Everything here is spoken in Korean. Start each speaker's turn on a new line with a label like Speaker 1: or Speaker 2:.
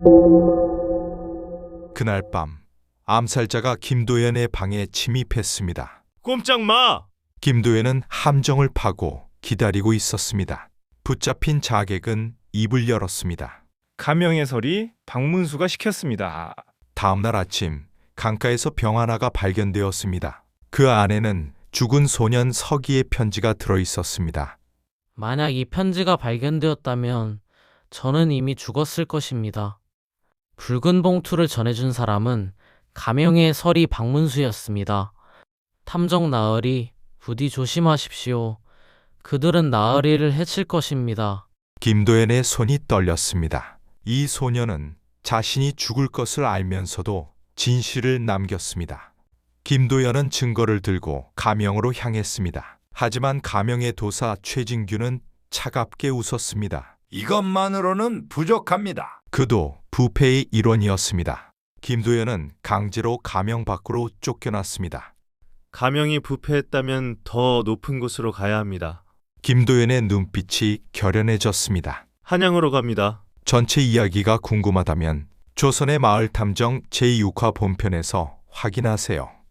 Speaker 1: 그날 밤 암살자가 김도연의 방에 침입했습니다.
Speaker 2: 꼼짝 마!
Speaker 1: 김도연은 함정을 파고 기다리고 있었습니다. 붙잡힌 자객은 입을 열었습니다.
Speaker 3: 가명의 설이 박문수가 시켰습니다.
Speaker 1: 다음날 아침 강가에서 병 하나가 발견되었습니다. 그 안에는 죽은 소년 서기의 편지가 들어 있었습니다.
Speaker 4: 만약 이 편지가 발견되었다면 저는 이미 죽었을 것입니다. 붉은 봉투를 전해준 사람은 가명의 설이 박문수였습니다. 탐정 나으리, 부디 조심하십시오. 그들은 나으리를 해칠 것입니다.
Speaker 1: 김도연의 손이 떨렸습니다. 이 소년은 자신이 죽을 것을 알면서도 진실을 남겼습니다. 김도연은 증거를 들고 가명으로 향했습니다. 하지만 가명의 도사 최진규는 차갑게 웃었습니다.
Speaker 5: 이것만으로는 부족합니다.
Speaker 1: 그도 부패의 일원이었습니다. 김도연은 강제로 가명 밖으로 쫓겨났습니다.
Speaker 2: 가명이 부패했다면 더 높은 곳으로 가야 합니다.
Speaker 1: 김도연의 눈빛이 결연해졌습니다.
Speaker 2: 한양으로 갑니다.
Speaker 1: 전체 이야기가 궁금하다면 조선의 마을 탐정 제6화 본편에서 확인하세요.